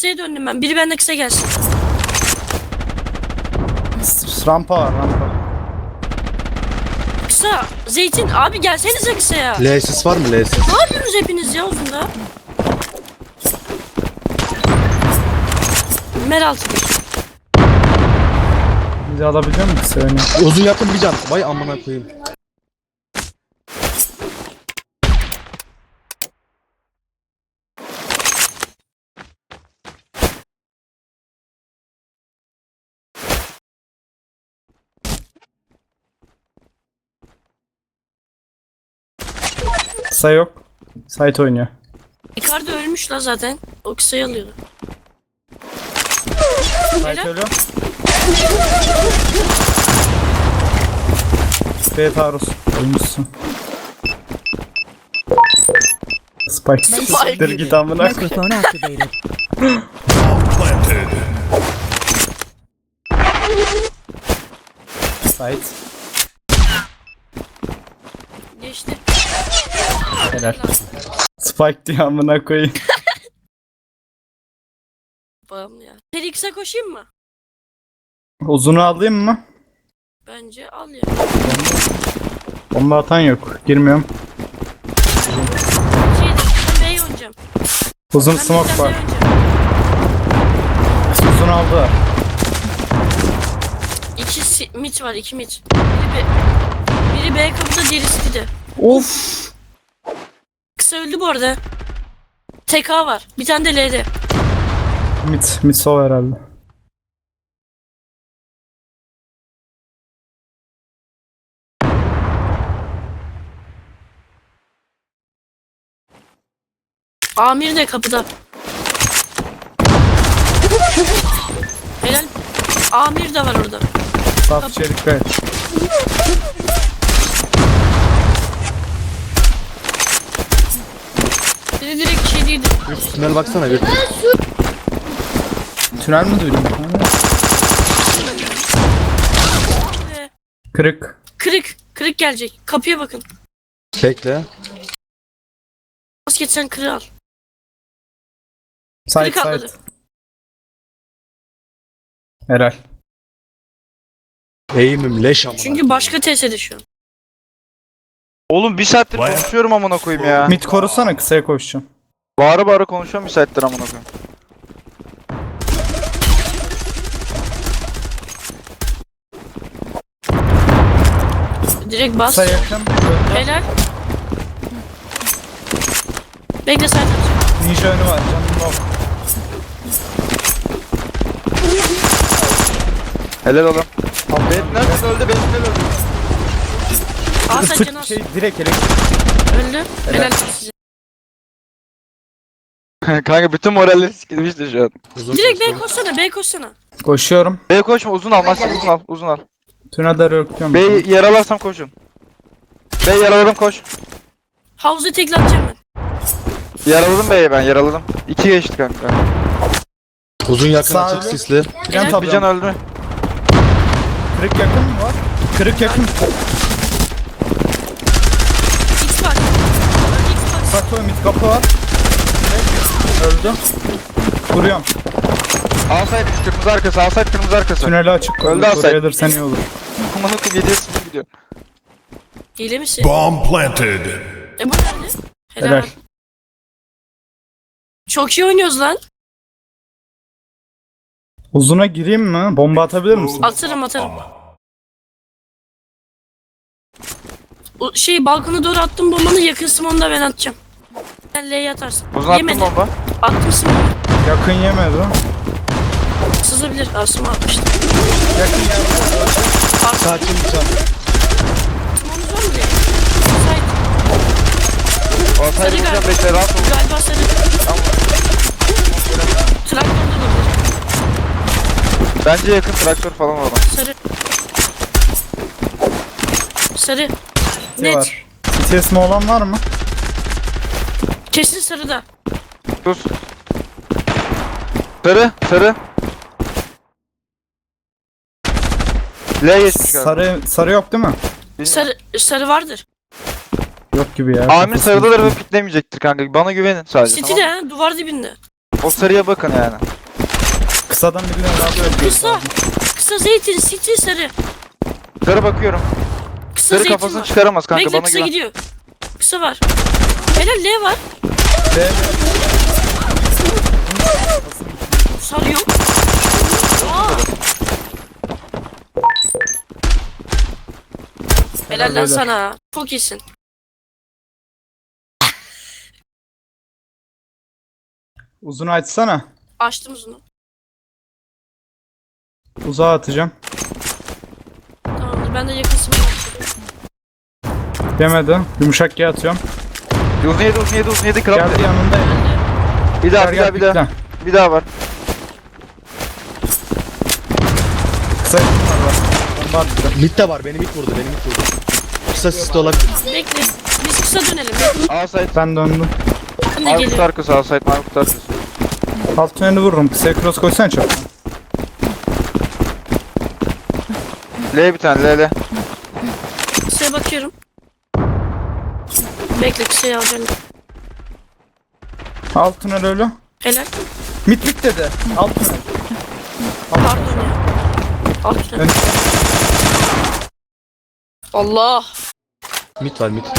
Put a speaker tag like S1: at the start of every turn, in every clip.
S1: kısaya döndüm ben. Biri benden kısa gelsin.
S2: Rampa var rampa.
S1: Kısa. Zeytin abi gelsenize kısaya.
S3: L'siz var mı L'siz?
S1: Ne yapıyorsunuz hepiniz ya uzunda? Meral.
S2: Bizi alabiliyor musun kısa öne?
S3: Uzun yakın bir can. Vay amına koyayım.
S2: Kısa yok. Site oynuyor.
S1: Icardi ölmüş la zaten. O kısayı alıyordu.
S2: Site ölüyor. B taarruz. Ölmüşsün. Spike. Siktir git amına koyayım.
S4: Microphone activated.
S2: Site.
S1: Geçti.
S2: Helal. Spike diye amına koyayım.
S1: Bağımlı ya. Felix'e koşayım mı?
S2: Uzunu alayım mı?
S1: Bence al ya.
S2: Bomba atan yok. Girmiyorum.
S1: Ben B'ye oynayacağım.
S2: Uzun
S1: Ben
S2: smoke
S1: birden
S2: var.
S1: B'ye oynayacağım.
S2: Uzun aldı.
S1: İki mid var, iki mid. Biri B kapıda, diğeri de.
S2: Of.
S1: Kısa öldü bu arada. TK var. Bir tane de L'de.
S2: Mid sol herhalde.
S1: Amir de kapıda. Helal. Amir de var orada.
S2: Saf içerik gayet.
S1: Biri direkt şey değildi.
S3: Tünel baksana bir.
S2: Tünel mi duydun? Kırık.
S1: Kırık. Kırık gelecek. Kapıya bakın.
S3: Bekle.
S1: Basket sen kırığı al.
S2: Site
S1: Kırık atladı.
S2: site. Helal.
S3: Eğimim leş amına.
S1: Çünkü başka TS'de şu an.
S5: Oğlum bir saattir konuşuyorum amına koyayım ya.
S2: Mid korusana kısaya koşacağım.
S5: Bağıra bağıra konuşuyorum bir saattir amına koyayım.
S1: Direkt bas.
S2: Kısa yakın.
S1: Helal. Bekle sen atacağım.
S2: Ninja önü var canım yok.
S5: Helal oğlum. Ben nerede öldü? Ben nerede öldü?
S1: Aa sen canı az.
S2: Şey direkt elektrik.
S1: Öldü. Helal size.
S5: Kanka bütün moralleri sikilmişti şu an.
S3: Uzun
S1: Direkt B
S3: koştu.
S1: koşsana, B koşsana.
S2: Koşuyorum.
S5: B koşma uzun al Master uzun al uzun al.
S2: Tünelde röküyorum.
S5: B yaralarsam koşun. B yaraladım koş.
S1: Havuzu tekle atacağım ben.
S5: Yaraladım B'yi ben yaraladım. 2 geçti kanka.
S3: Uzun yakın
S2: Sağ
S3: açık
S2: ol.
S3: sisli.
S2: Plan
S5: Bir
S2: tablo.
S5: can öldü.
S2: Kırık yakın mı var? Kırık yakın.
S1: X var. X var.
S2: Saklı mid kapı var. Öldü. Vuruyorum.
S5: Alsaydı kırmızı arkası alsaydı kırmızı arkası.
S2: Tüneli açık.
S5: Öldü Asay.
S2: Oraya alırsan iyi olur.
S5: Amına koyayım 7'ye 0 gidiyor.
S1: Hile misin?
S6: Bomb planted.
S1: Bu nerede? Helal.
S2: Helal.
S1: Çok iyi oynuyoruz lan.
S2: Uzuna gireyim mi? Bomba atabilir misin?
S1: Atarım. O balkona doğru attım bombanı, yakın simonu da ben atacağım. Sen L'ye atarsın.
S5: Uzun attım
S1: Yemedi.
S5: bomba.
S1: Attım simonu.
S2: Yakın yemedi.
S1: Sızabilir. Asım atmıştı.
S2: Yakın yemedi.
S3: Sakin bir can.
S1: Simonu zor mu diye? Sait.
S5: Alsaydı
S1: Sarı
S5: vuracağım
S1: galiba.
S5: bekle rahat ol.
S1: Galiba sarı. Traktörde olabilir.
S5: Bence yakın traktör falan var.
S1: Sarı. Sarı.
S2: Ne
S1: Net.
S2: var? CTS mi olan var mı?
S1: Kesin sarıda.
S5: Sus. Sarı sarı. L geçmiş galiba.
S2: Sarı yok değil mi?
S1: Sarı vardır.
S2: Yok gibi ya.
S5: Amir
S2: Kafasını-
S5: sarıdadır ve piklemeyecektir kanka. Bana güvenin sadece.
S1: City
S5: Tamam.
S1: de ha, duvar dibinde.
S5: O sarıya bakın yani.
S2: Kısadan birileri daha böyle.
S1: Kısa. Kısa zeytin, city sarı.
S5: Yukarı bakıyorum.
S1: Kısa
S5: Sarı
S1: zeytin
S5: kafasını
S1: var.
S5: çıkaramaz kanka,
S1: Bekle
S5: bana
S1: kısa
S5: güven.
S1: gidiyor. Kısa var. Helal L var.
S2: B.
S1: Sarıyor. Aa. Helal lan
S2: beyler.
S1: sana. Çok iyisin.
S2: Uzunu açsana.
S1: Açtım uzunu.
S2: Uzağa atacağım.
S1: Tamamdır ben de yakınsımı açtım.
S2: Yemedi. Yumuşak G atıyorum.
S5: Uzun yedi kral.
S2: Geldi yanında.
S5: Bir daha
S2: Gel,
S5: bir daha.
S2: bekle.
S5: Bir daha var.
S2: Kısa yakın var. Bomba attı.
S3: Mid de var. Beni mid vurdu. Kısa siste olabilir.
S1: Bekle. Biz kısa dönelim. Yakın
S5: Outside.
S2: Ben döndüm.
S1: de
S5: Mavi kutu
S1: geliyor.
S5: arkası, outside mavi kutu arkası.
S2: Alt tüneli vururum. Kısaya cross koysana çok.
S5: L bir tane, L.
S1: Kısaya bakıyorum. Bekle kısayı alacağım.
S2: Alt tünel ölü.
S1: Helal.
S2: Mit dedi. Alt tünel.
S1: Pardon ya. Alt tünel.
S2: Ön-
S1: Allah.
S3: Mid var mid.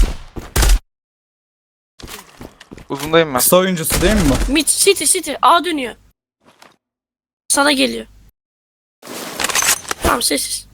S5: Uzundayım ben.
S2: Kısa oyuncusu değil mi bu?
S1: Mid city A dönüyor. Sana geliyor. Tamam sessiz.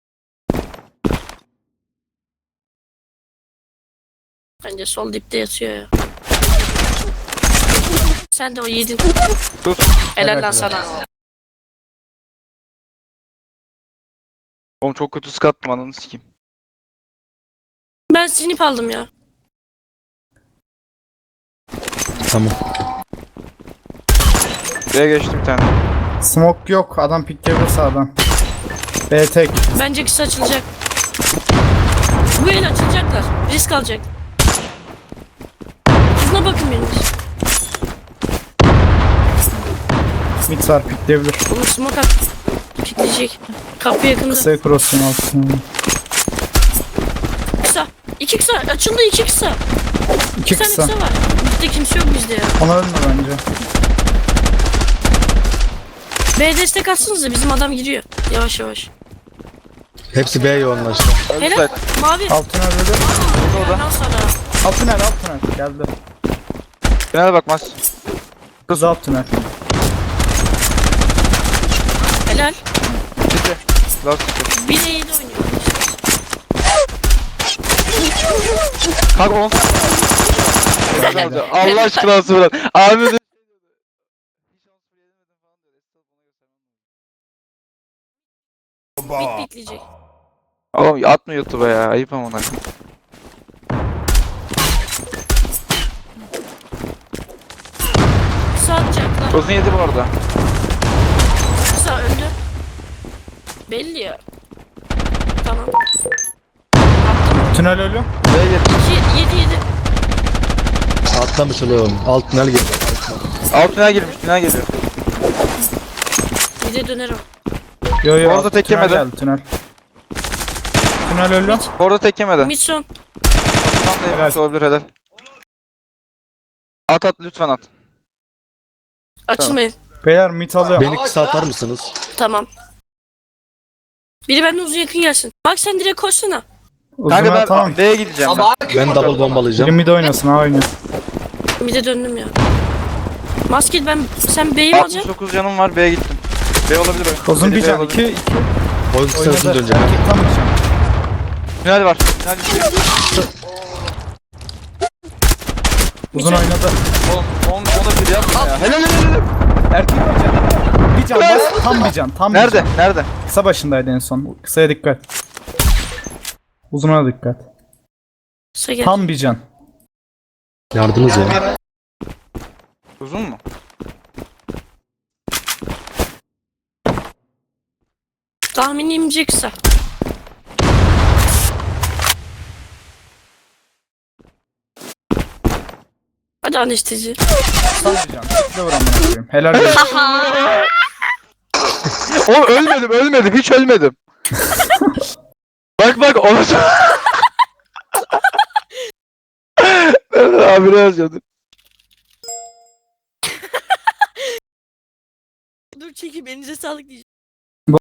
S1: Bence sol dipte yatıyor ya. Sen de o yedin.
S5: Tut.
S1: Helal lan sana.
S5: Oğlum çok kötü sıkattım, ananı sikeyim.
S1: Ben sinip aldım ya.
S3: Tamam.
S5: B'ye geçti bir tane.
S2: Smoke yok. Adam pikleyebilir sağdan. B tek.
S1: Bence kısa açılacak. Bu el açılacaklar. Risk alacak. Şuna bakın benim.
S2: Mid var pikleyebilir.
S1: Onu smoke at. Pikleyecek. Kapı yakında.
S2: Kısaya cross'un alt tüneli.
S1: Kısa. İki kısa. Açıldı iki kısa.
S2: İki
S1: Bir tane
S2: kısa.
S1: kısa var. Bizde kimse yok bizde ya.
S2: Ona ölme bence.
S1: B destek atsanıza bizim adam giriyor. Yavaş yavaş.
S3: Hepsi B yoğunlaştı.
S1: Helal.
S5: Outside.
S1: Mavi.
S2: Alt tünel ölü.
S1: Ondan sonra.
S2: Alt tünel. Geldi.
S5: Finale bakmaz.
S2: Kız alt tünel.
S1: Helal.
S5: Bitti. Last bitti.
S1: 1'e 7 oynuyor.
S5: Kanka 10. Allah aşkına sıfır. Abi de.
S1: Bit bitleyecek.
S5: Oğlum atma YouTube'a ya. Ayıp ama ona.
S1: Kısa atacaklar.
S5: Uzun yedi bu arada.
S1: Kısa öldü. Belli ya. Tamam.
S2: Tünel ölü.
S5: B'ye geç.
S1: 7.
S3: Atlamış oğlum. Alt tünel girdi.
S5: Alt tünel girmiş. Tünel geliyor.
S1: Bir de dönerim.
S2: Yo
S5: Orada tek
S2: tünel
S5: yemedi.
S2: geldi tünel. Tünel ölü.
S5: Orada tek yemedi.
S1: Mid son.
S5: Tam da yemiş olabilir, helal. At lütfen at.
S1: Açılmayın.
S2: Beyler mid alıyorum.
S3: Beni kısa atar mısınız?
S1: Tamam. Biri benden uzun yakın gelsin. Bak sen direkt koşsana.
S2: Uzuna
S5: Kanka ben
S2: tamam.
S5: B'ye gideceğim ben.
S3: Ben double
S2: Biri
S3: bombalayacağım.
S2: mid oynasın ha oynuyor.
S1: Bir de döndüm ya. Masket sen B'yi mi alacaksın?
S5: 69 canım var, B'ye gittim. B olabilir o.
S2: Uzun
S5: Biri
S2: bir
S5: B
S2: can.
S5: olabilir.
S2: 2
S3: Oyun kısasını
S2: oynadı.
S3: döneceğim.
S2: Erkek tam bir can.
S5: Tünel var. Tünel düşüyor.
S2: Uzun oynadı.
S5: Oğlum ona bir yapma ya. Helal.
S2: Erkek bir can. Bir can bas. Tam bir can. Tam bir
S5: Nerede?
S2: can.
S5: Nerede?
S2: Kısa başındaydı en son. Kısaya dikkat. Uzuna dikkat.
S1: Kısa gel.
S2: Tam bir can.
S3: Yardınız ya.
S5: Uzun mu?
S1: Tahminimce kısa. Hadi anestezi.
S2: Tam bir can. Tıkla vur amına koyayım. Helal olsun.
S5: Oğlum ölmedim. Hiç ölmedim. bak onu. Abi ne yazacaksın?
S1: dur çekeyim elinize sağlık diyeceğim.